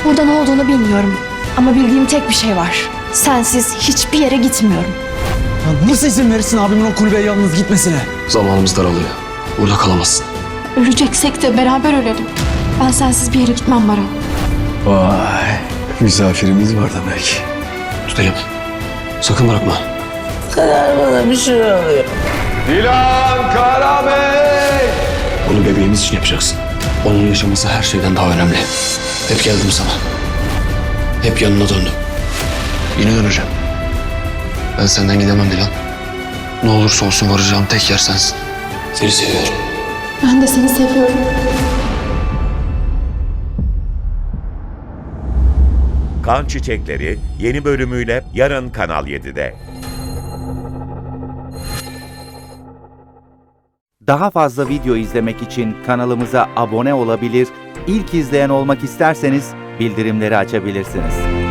Burada ne olduğunu bilmiyorum. Ama bildiğim tek bir şey var. Sensiz hiçbir yere gitmiyorum. Ya nasıl izin verirsin abimin o kulübeye yalnız gitmesine? Zamanımız daralıyor. Burada kalamazsın. Öleceksek de beraber ölelim. Ben sensiz bir yere gitmem Baran. Vay. Misafirimiz var demek. Tutayım. Sakın bırakma. Dilan Karabey! Bunu bebeğimiz için yapacaksın. Onun yaşaması her şeyden daha önemli. Hep geldim sana. Hep yanına döndüm. Yine döneceğim. Ben senden gidemem Dilan. Ne olursa olsun varacağım tek yer sensin. Seni seviyorum. Ben de seni seviyorum. Kan Çiçekleri yeni bölümüyle yarın Kanal 7'de. Daha fazla video izlemek için kanalımıza abone olabilir, ilk izleyen olmak isterseniz bildirimleri açabilirsiniz.